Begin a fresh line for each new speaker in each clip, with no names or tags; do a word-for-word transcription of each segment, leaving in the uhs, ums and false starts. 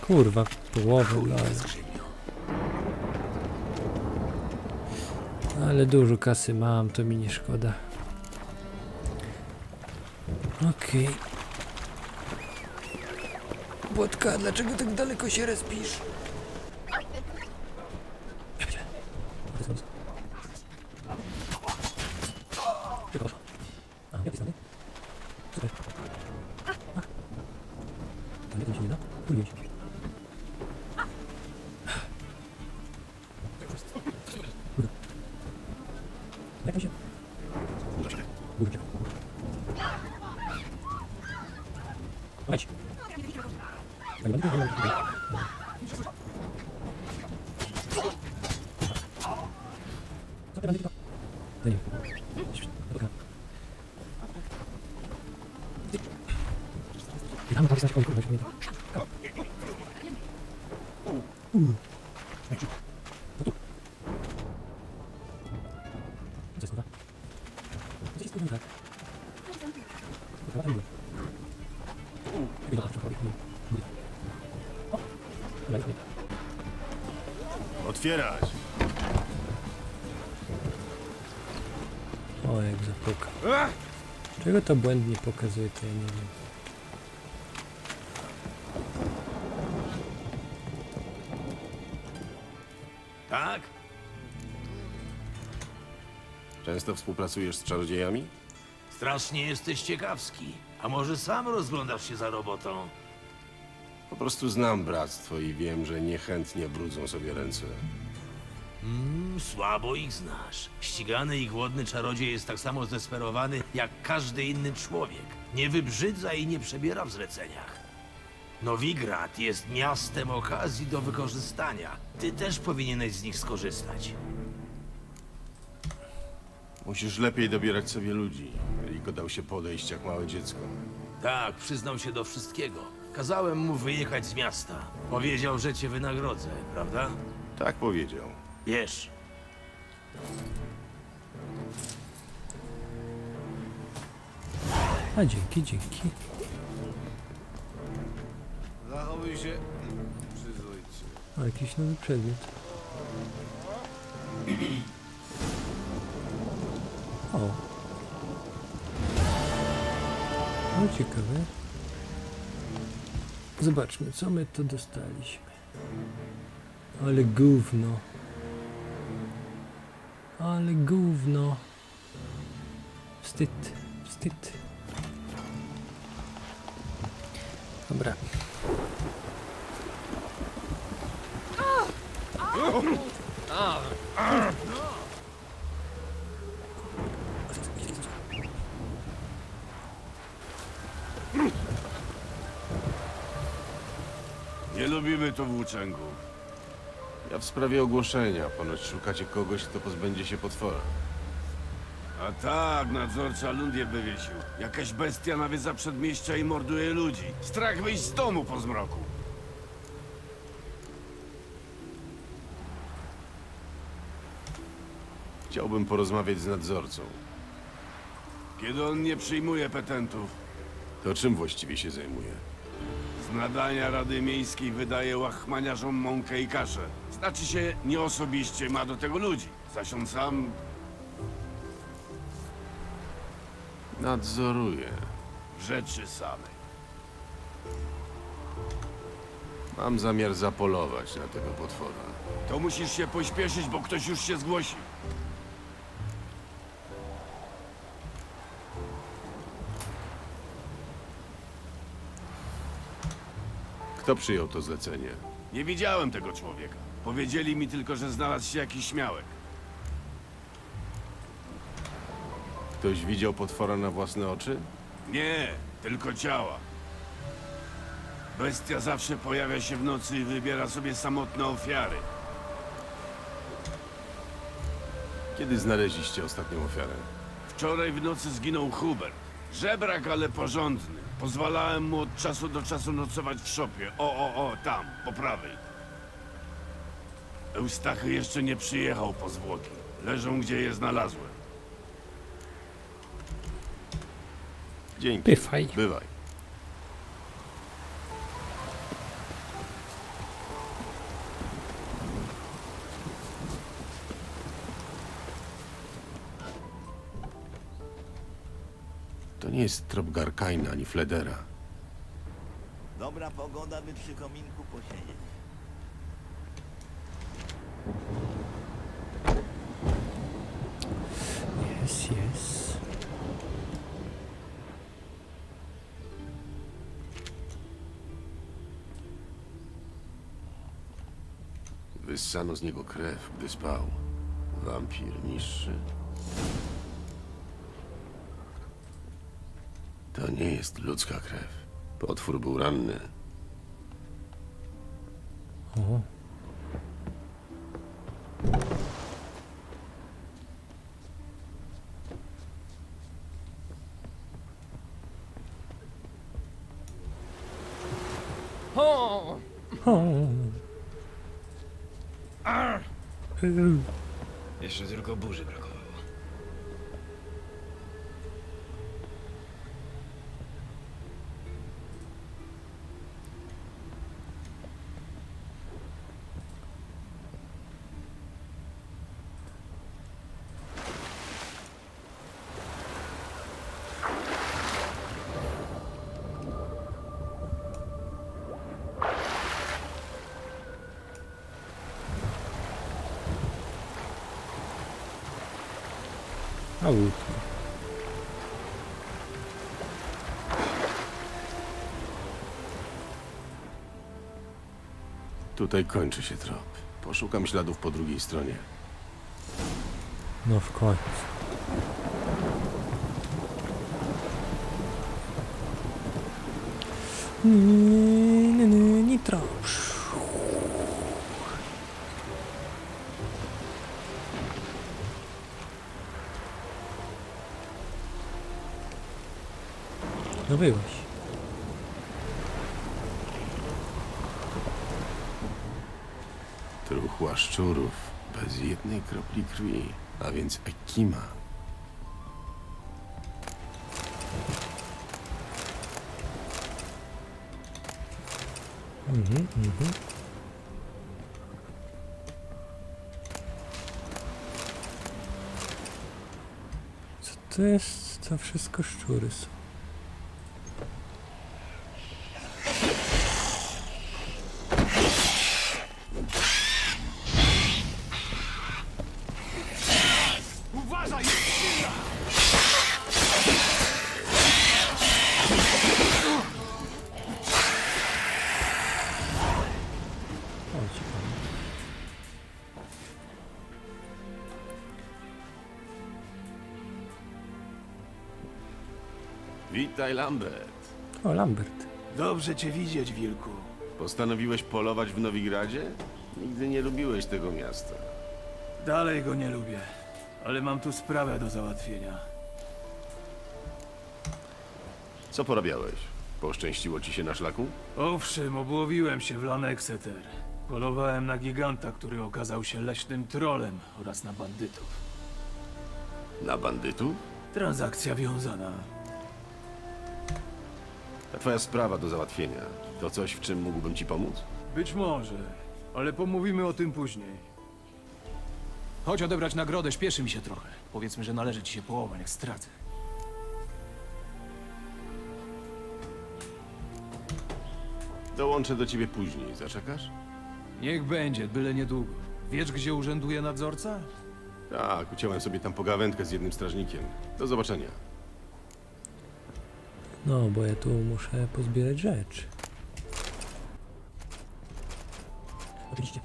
Kurwa, połowę, no ale... ale dużo kasy mam, to mi nie szkoda. Okej. Okay. Błotka, dlaczego tak daleko się respisz? Chodź.
Otwierać!
O, jak zapuka. Czego to błędnie pokazuje, to ja nie wiem.
Tak?
Często współpracujesz z czarodziejami?
Strasznie jesteś ciekawski. A może sam rozglądasz się za robotą?
Po prostu znam bractwo i wiem, że niechętnie brudzą sobie ręce.
Mm, słabo ich znasz. Ścigany i głodny czarodziej jest tak samo zdesperowany jak każdy inny człowiek. Nie wybrzydza i nie przebiera w zleceniach. Nowigrad jest miastem okazji do wykorzystania. Ty też powinieneś z nich skorzystać.
Musisz lepiej dobierać sobie ludzi. Rico dał się podejść jak małe dziecko.
Tak, przyznał się do wszystkiego. Kazałem mu wyjechać z miasta. Powiedział, że cię wynagrodzę, prawda?
Tak powiedział.
Wiesz.
A dzięki, dzięki.
Zachowuj się przyzwoicie.
O, jakiś nowy przedmiot. O. No ciekawe. Zobaczmy, co my tu dostaliśmy. Ale gówno. Ale gówno. Wstyd, wstyd. Dobra.
Nie lubimy tu włóczęgów.
Ja w sprawie ogłoszenia. Ponoć szukacie kogoś, kto pozbędzie się potwora.
A tak, nadzorca lund je wywiesił. Jakaś bestia nawiedza przedmieścia i morduje ludzi. Strach wyjść z domu po zmroku.
Chciałbym porozmawiać z nadzorcą.
Kiedy on nie przyjmuje petentów,
To czym właściwie się zajmuje?
z nadania Rady Miejskiej wydaje łachmaniarzom mąkę i kaszę. Znaczy się, nie osobiście ma do tego ludzi. Zaś on sam
Nadzoruję.
w rzeczy samej.
Mam zamiar zapolować na tego potwora.
To musisz się pośpieszyć, bo ktoś już się zgłosi.
Kto przyjął to zlecenie?
Nie widziałem tego człowieka. Powiedzieli mi tylko, że znalazł się jakiś śmiałek.
Ktoś widział potwora na własne oczy?
Nie, tylko ciała. Bestia zawsze pojawia się w nocy i wybiera sobie samotne ofiary.
Kiedy znaleźliście ostatnią ofiarę?
Wczoraj w nocy zginął Hubert. Żebrak, ale porządny. Pozwalałem mu od czasu do czasu nocować w szopie. O, o, o, tam, po prawej. Eustachy jeszcze nie przyjechał po zwłoki. Leżą, gdzie je znalazłem.
Dzięki.
Pyfaj.
Bywaj. nie jest trop Garkaina ani Fledera.
Dobra pogoda, by przy kominku posiedzieć.
Jest, jest.
Wyssano z niego krew, gdy spał. Wampir niższy. To nie jest ludzka krew. Potwór był ranny.
O.
O!
O. Yy.
Jeszcze tylko burzy brakowało.
Auto.
Tutaj kończy się trop. Poszukam śladów po drugiej stronie.
No w końcu. Ni- ni- ni- Nitro. No byłeś.
Truchła szczurów, bez jednej kropli krwi, a więc Ekima.
Mhm, mhm. Co to jest? To wszystko szczury są.
Uważaj!
Chodź pan.
Witaj, Lambert.
O, Lambert.
Dobrze cię widzieć, wilku.
Postanowiłeś polować w Nowigradzie? Nigdy nie lubiłeś tego miasta.
Dalej go nie lubię, ale mam tu sprawę do załatwienia.
Co porabiałeś? Poszczęściło ci się na szlaku?
Owszem, obłowiłem się w Lanexeter. Polowałem na giganta, który okazał się leśnym trolem oraz na bandytów.
Na bandytów?
Transakcja wiązana.
To twoja sprawa do załatwienia. To coś, w czym mógłbym ci pomóc?
Być może, ale pomówimy o tym później. Chodź odebrać nagrodę, śpieszy mi się trochę. Powiedzmy, że należy ci się połowa, jak stracę.
Dołączę do ciebie później. Zaczekasz?
Niech będzie, byle niedługo. Wiesz, gdzie urzęduje nadzorca?
Tak, uciąłem sobie tam pogawędkę z jednym strażnikiem. Do zobaczenia.
No, bo ja tu muszę pozbierać rzeczy. Oczywiście.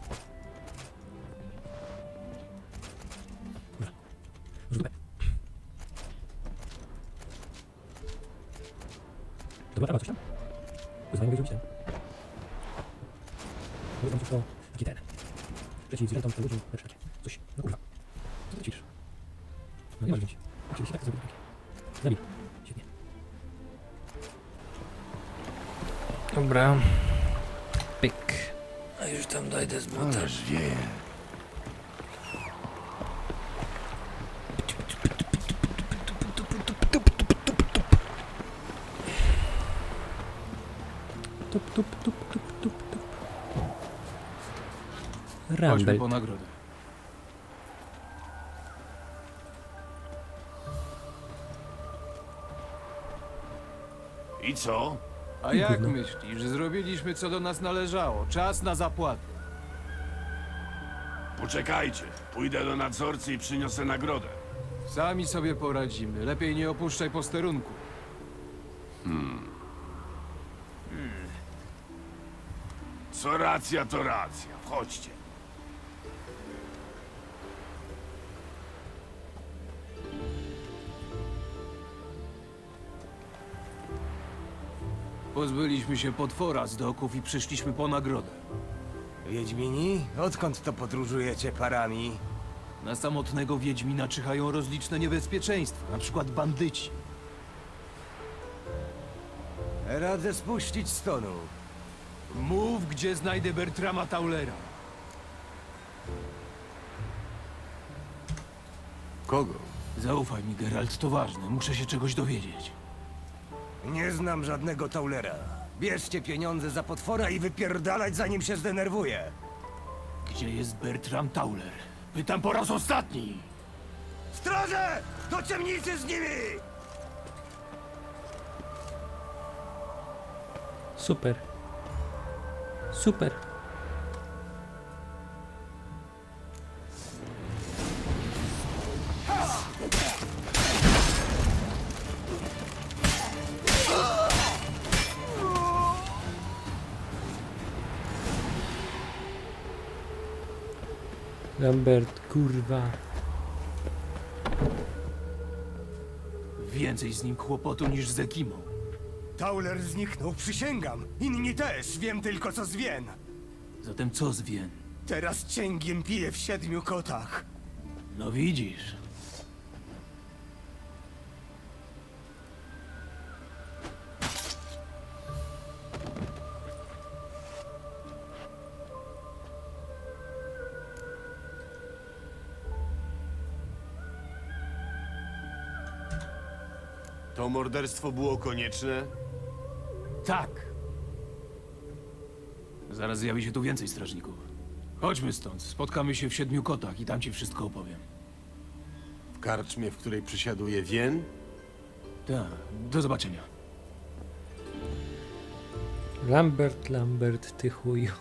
Dobra. Zróbmy. Dobra, a coś tam? Wyzwanie mogę zrobić ten. Mogę zrobić to taki ten. Przeciw zwierzętom, to ludziom, lecz takie. Coś. No kurwa. Co ty ćwiczysz? No nie masz wziąć. Oczywiście tak to zrobić. Zabij. Świetnie. Dobra. Pyk. A już tam dojdę z buta.
Ależ wieje.
Tup, tup, tup, tup, tup, tup.
Chodźmy
Rambelt.
po nagrodę.
I co?
A jak myślisz? Zrobiliśmy co do nas należało. Czas na zapłatę.
Poczekajcie. Pójdę do nadzorcy i przyniosę nagrodę.
Sami sobie poradzimy. Lepiej nie opuszczaj posterunku.
Co racja, to racja. Wchodźcie.
Pozbyliśmy się potwora z doków i przyszliśmy po nagrodę.
Wiedźmini? Odkąd to podróżujecie parami?
Na samotnego Wiedźmina czyhają rozliczne niebezpieczeństwa, na przykład bandyci.
Radzę spuścić stonu.
Mów, gdzie znajdę Bertrama Taulera.
Kogo?
Zaufaj mi, Geralt, to ważne. Muszę się czegoś dowiedzieć.
Nie znam żadnego Taulera. Bierzcie pieniądze za potwora i wypierdalać, zanim się zdenerwuje.
Gdzie jest Bertram Tauler? Pytam po raz ostatni!
Straże! Do ciemnicy z nimi!
Super. Super. Lambert, kurwa.
Więcej z nim kłopotu niż z Ekimą.
Tauler zniknął, przysięgam. Inni też, wiem tylko co z Wien.
Zatem co z Wien?
Teraz cięgiem piję w siedmiu kotach.
No widzisz.
To morderstwo było konieczne?
Tak. Zaraz zjawi się tu więcej strażników. Chodźmy stąd. Spotkamy się w Siedmiu Kotach i tam ci wszystko opowiem.
W karczmie, w której przysiaduje Wien?
Tak. Do zobaczenia.
Lambert, Lambert, ty chuju.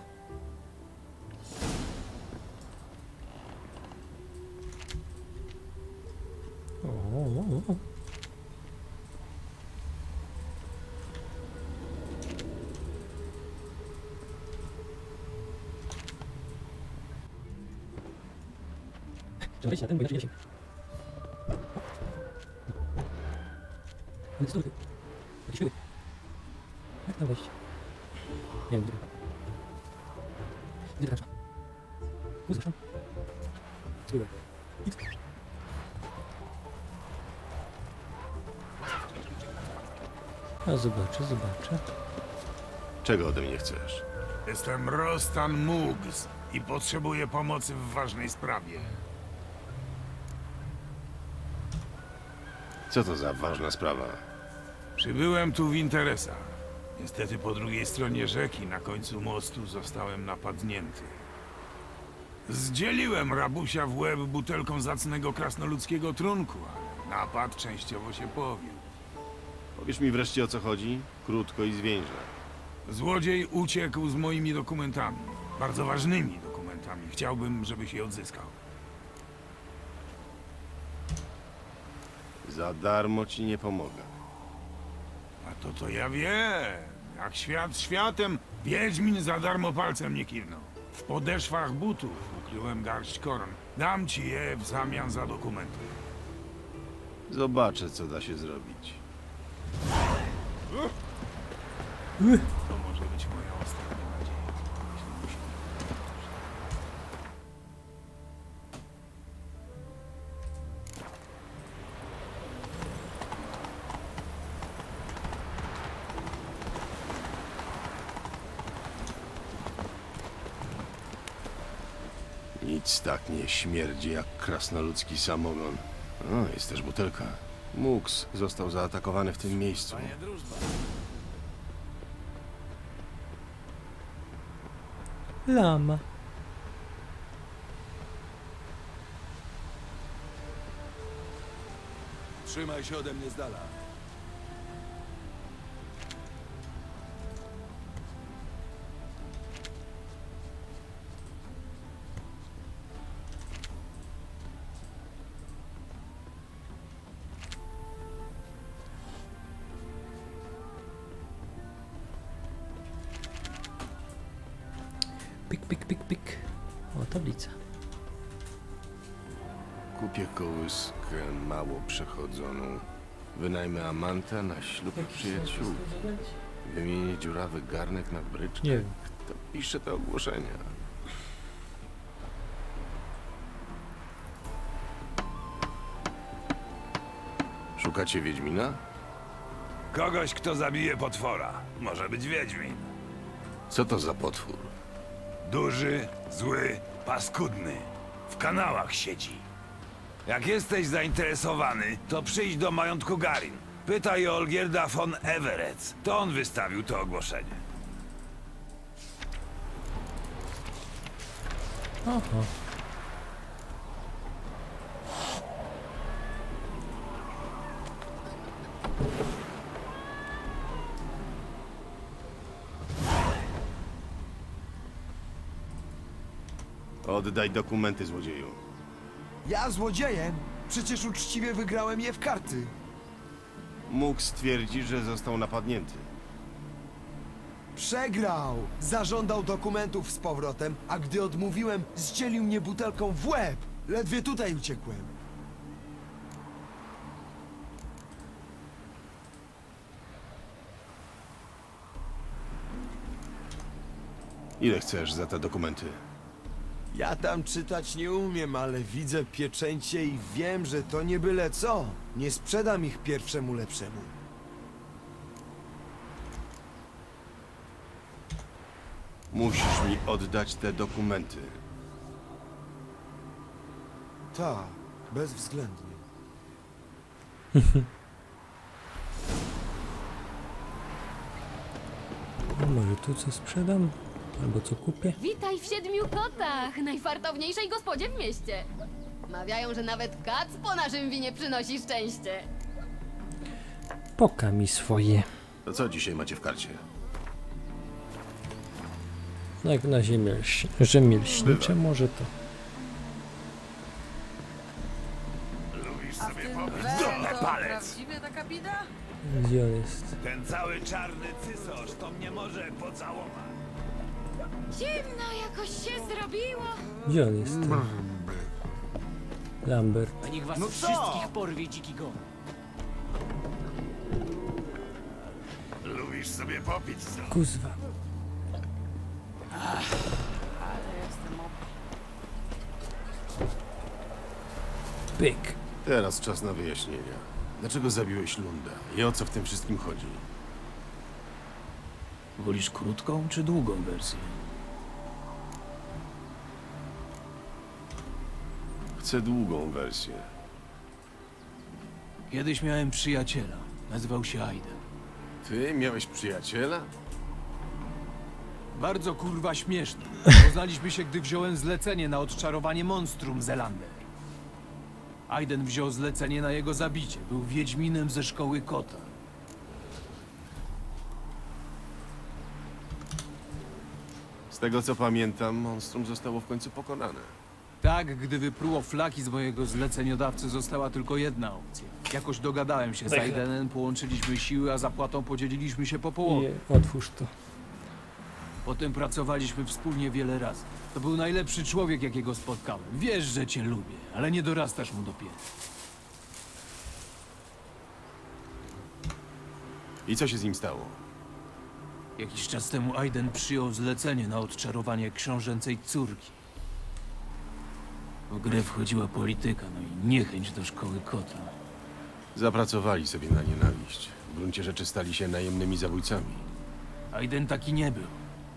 O, o, o. Trzeba wejść na ten, bo inaczej nie da się. Ale stój. Jakieś pyły. Jak tam wejść? Nie wiem, gdzie. Gdzie ta karczma? Tu zresztą. Spróbuj. Idź. A zobaczę, zobaczę.
Czego ode mnie chcesz?
Jestem Rostan Mugs i potrzebuję pomocy w ważnej sprawie.
Co to za ważna sprawa?
Przybyłem tu w interesach. Niestety po drugiej stronie rzeki, na końcu mostu, zostałem napadnięty. Zdzieliłem rabusia w łeb butelką zacnego krasnoludzkiego trunku, ale napad częściowo się powiódł.
Powiesz mi wreszcie, o co chodzi? Krótko i zwięźle.
Złodziej uciekł z moimi dokumentami. Bardzo ważnymi dokumentami. Chciałbym, żebyś je odzyskał.
Za darmo ci nie pomogę.
A to to ja wiem. Jak świat światem, Wiedźmin za darmo palcem nie kiwnął. W podeszwach butów ukryłem garść koron. Dam ci je w zamian za dokumenty.
Zobaczę, co da się zrobić.
To może być moja ostatnia nadzieja. Jeśli musi.
Nic tak nie śmierdzi jak krasnoludzki samogon. O, jest też butelka. Mugs został zaatakowany w tym miejscu.
Lama.
Trzymaj się ode mnie z dala.
Pik, pik, pik, pik. O, tablica.
Kupię kołyskę mało przechodzoną. Wynajmę Amanta na ślub przyjaciół. Wymienię dziurawy garnek na bryczkę.
Nie wiem.
Kto pisze te ogłoszenia? Szukacie Wiedźmina?
Kogoś, kto zabije potwora. Może być Wiedźmin.
Co to za potwór?
Duży, zły, paskudny. W kanałach siedzi. Jak jesteś zainteresowany, to przyjdź do majątku Garin. Pytaj o Olgierda von Everett. To on wystawił to ogłoszenie.
Oho.
Oddaj dokumenty, złodzieju.
Ja złodziejem? Przecież uczciwie wygrałem je w karty.
Mógł stwierdzić, że został napadnięty.
Przegrał! Zażądał dokumentów z powrotem, a gdy odmówiłem, zdzielił mnie butelką w łeb. Ledwie tutaj uciekłem.
Ile chcesz za te dokumenty?
Ja tam czytać nie umiem, ale widzę pieczęcie i wiem, że to nie byle co. Nie sprzedam ich pierwszemu lepszemu.
Musisz mi oddać te dokumenty.
Tak, bezwzględnie.
No może tu co sprzedam? Albo co kupię?
Witaj w Siedmiu Kotach, najfartowniejszej gospodzie w mieście. Mawiają, że nawet kac po naszym winie przynosi szczęście.
Poka mi swoje.
To co dzisiaj macie w karcie?
Jak na ziemię lś- rzemieślnicze może to.
Dupę palec!
Prawdziwie taka bida?
Gdzie on jest?
Ten cały czarny cysosz to mnie może pocałować.
Zimno jakoś się zrobiło.
Gdzie on jest? Ten? Lambert.
A niech was
No co?
wszystkich porwie dziki gon.
Lubisz sobie popić, co?
Kuzwa. Pyk.
Teraz czas na wyjaśnienia. Dlaczego zabiłeś Lunda i o co w tym wszystkim chodzi?
Wolisz krótką czy długą wersję?
Chcę długą wersję.
Kiedyś miałem przyjaciela. Nazywał się Aiden.
Ty miałeś przyjaciela?
Bardzo kurwa śmieszny. Poznaliśmy się, gdy wziąłem zlecenie na odczarowanie monstrum Zelander. Aiden wziął zlecenie na jego zabicie. Był wiedźminem ze szkoły kota.
Z tego co pamiętam, monstrum zostało w końcu pokonane.
Tak, gdy wypruło flaki z mojego zleceniodawcy, została tylko jedna opcja. Jakoś dogadałem się z Aidenem, połączyliśmy siły, a zapłatą podzieliliśmy się po połowie.
Nie, otwórz to.
Potem pracowaliśmy wspólnie wiele razy. To był najlepszy człowiek, jakiego spotkałem. Wiesz, że cię lubię, ale nie dorastasz mu dopiero.
I co się z nim stało?
Jakiś czas temu Aiden przyjął zlecenie na odczarowanie książęcej córki. W grę wchodziła polityka, no i niechęć do szkoły kota.
Zapracowali sobie na nienawiść. W gruncie rzeczy stali się najemnymi zabójcami.
Aiden taki nie był.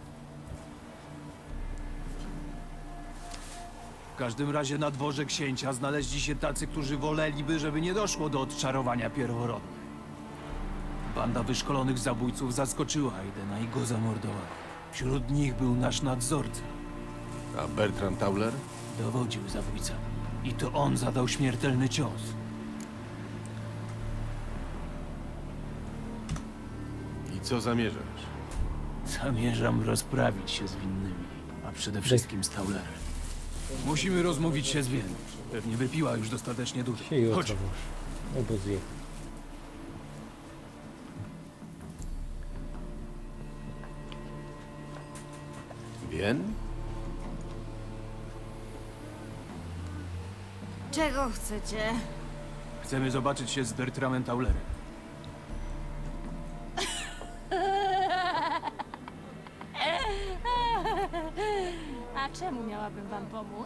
W każdym razie na dworze księcia znaleźli się tacy, którzy woleliby, żeby nie doszło do odczarowania pierworodnych. Banda wyszkolonych zabójców zaskoczyła Aidena i go zamordowała. Wśród nich był nasz nadzorca.
A Bertram Tauler?
Dowodził zabójcami. I to on zadał śmiertelny cios.
I co zamierzasz?
Zamierzam rozprawić się z winnymi, a przede wszystkim z Taulerem. Musimy rozmówić się z Wieną. Pewnie wypiła już dostatecznie dużo.
Się jutro
Chodź.
może. Albo zje.
Wien?
Czego chcecie?
Chcemy zobaczyć się z Bertramem Taulerem.
A czemu miałabym wam pomóc?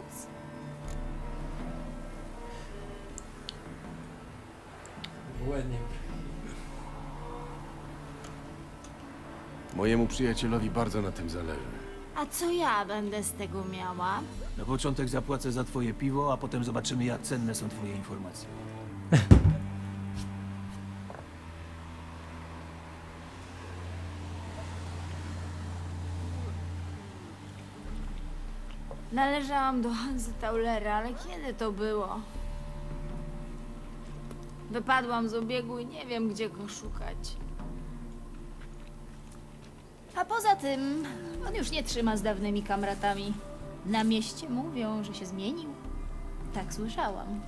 Ładnie.
Mojemu przyjacielowi bardzo na tym zależy.
A co ja będę z tego miała?
Na początek zapłacę za twoje piwo, a potem zobaczymy, jak cenne są twoje informacje.
Należałam do Hansy Taulera, ale kiedy to było? Wypadłam z obiegu i nie wiem, gdzie go szukać. A poza tym, on już nie trzyma z dawnymi kamratami. Na mieście mówią, że się zmienił. Tak słyszałam.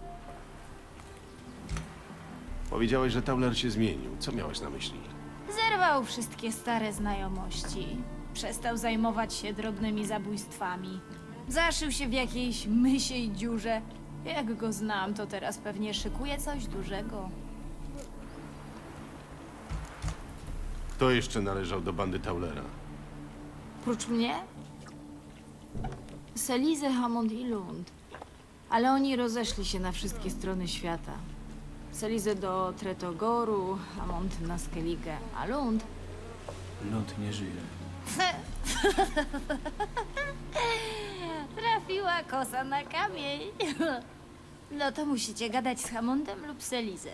Powiedziałeś, że Tauler się zmienił. Co miałeś na myśli?
Zerwał wszystkie stare znajomości. Przestał zajmować się drobnymi zabójstwami. Zaszył się w jakiejś mysiej dziurze. Jak go znam, to teraz pewnie szykuje coś dużego.
Kto jeszcze należał do bandy Taulera?
Prócz mnie? Selize, Hammond i Lund. Ale oni rozeszli się na wszystkie strony świata. Selize do Tretogoru, Hammond na Skellige, a Lund...
Lund nie żyje.
Trafiła kosa na kamień. No to musicie gadać z Hammondem lub Selizę.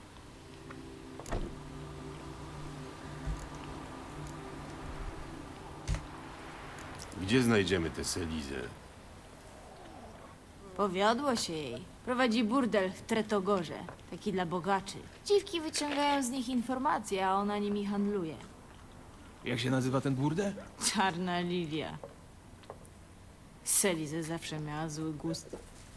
Gdzie znajdziemy tę Selizę?
Powiodło się jej. Prowadzi burdel w Tretogorze. Taki dla bogaczy. Dziwki wyciągają z nich informacje, a ona nimi handluje.
Jak się nazywa ten burdel?
Czarna lilia. Selizę zawsze miała zły gust.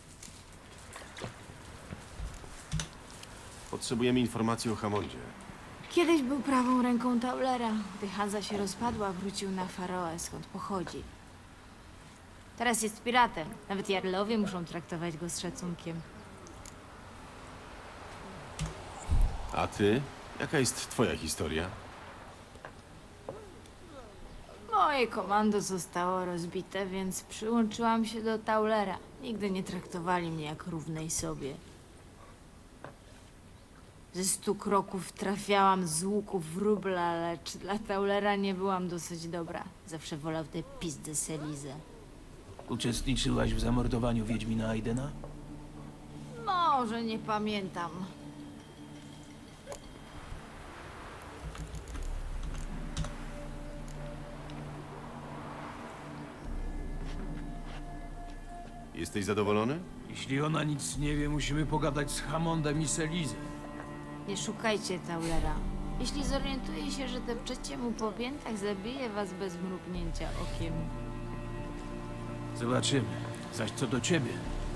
Potrzebujemy informacji o Hammondzie.
Kiedyś był prawą ręką Taulera. Gdy Hansa się rozpadła, wrócił na Faroe, skąd pochodzi. Teraz jest piratem. Nawet jarlowie muszą traktować go z szacunkiem.
A ty? Jaka jest twoja historia?
Moje komando zostało rozbite, więc przyłączyłam się do Taulera. Nigdy nie traktowali mnie jak równej sobie. Ze stu kroków trafiałam z łuku w rubla, lecz dla Taulera nie byłam dosyć dobra. Zawsze wolał te pizdy Selizę.
Uczestniczyłaś w zamordowaniu Wiedźmina Aidena?
Może nie pamiętam.
Jesteś zadowolony?
Jeśli ona nic nie wie, musimy pogadać z Hammondem i Selizą.
Nie szukajcie Taulera. Jeśli zorientuje się, że depczecie mu po piętach, zabije was bez mrugnięcia okiem.
Zobaczymy. Zaś co do ciebie,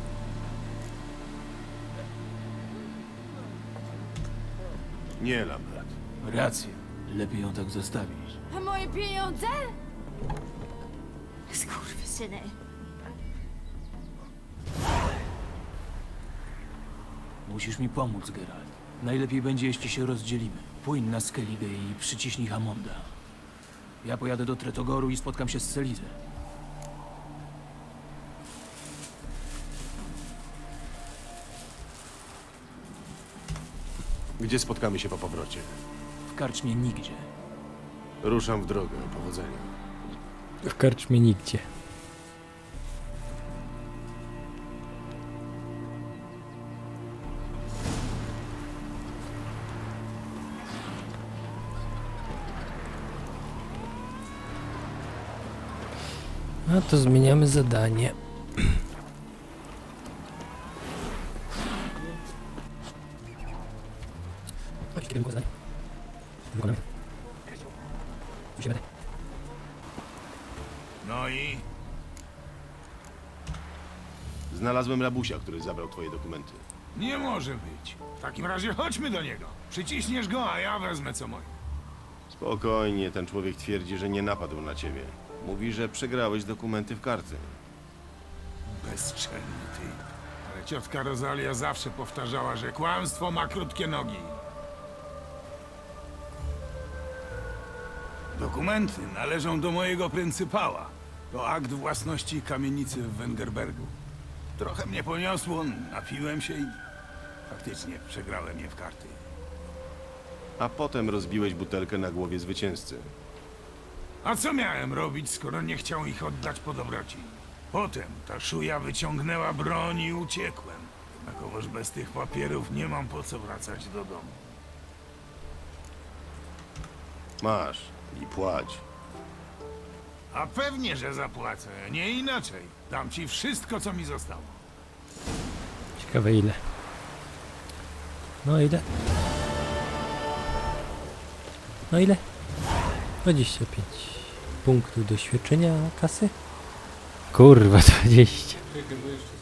Nie, Lambert.
rację. Lepiej ją tak zostawić.
A moje pieniądze? Skurwysyny.
Musisz mi pomóc, Geralt. Najlepiej będzie, jeśli się rozdzielimy. Płyń na Skellige i przyciśnij Hammonda. Ja pojadę do Tretogoru i spotkam się z Selizą.
Gdzie spotkamy się po powrocie?
W karczmie nigdzie.
Ruszam w drogę. Powodzenia.
W karczmie nigdzie. A to zmieniamy zadanie. Chodź, kiedy było zadanie? Wykonamy. Musimy.
No i?
Znalazłem rabusia, który zabrał twoje dokumenty.
Nie może być. W takim razie chodźmy do niego. Przyciśniesz go, a ja wezmę co moje.
Spokojnie, ten człowiek twierdzi, że nie napadł na ciebie. Mówi, że przegrałeś dokumenty w karty.
Bezczelny ty. Ale ale ciotka Rosalia zawsze powtarzała, że kłamstwo ma krótkie nogi. Dokumenty należą do mojego pryncypała. To akt własności kamienicy w Wengerbergu. Trochę mnie poniosło, napiłem się i faktycznie przegrałem je w karty.
A potem rozbiłeś butelkę na głowie zwycięzcy.
A co miałem robić, skoro nie chciał ich oddać po dobroci? Potem ta szuja wyciągnęła broń i uciekłem. Jednakowoż bez tych papierów nie mam po co wracać do domu.
Masz i płać.
A pewnie, że zapłacę, nie inaczej. Dam ci wszystko, co mi zostało.
Ciekawe ile. No ile? No ile? dwadzieścia pięć punktów doświadczenia kasy. Kurwa, dwadzieścia.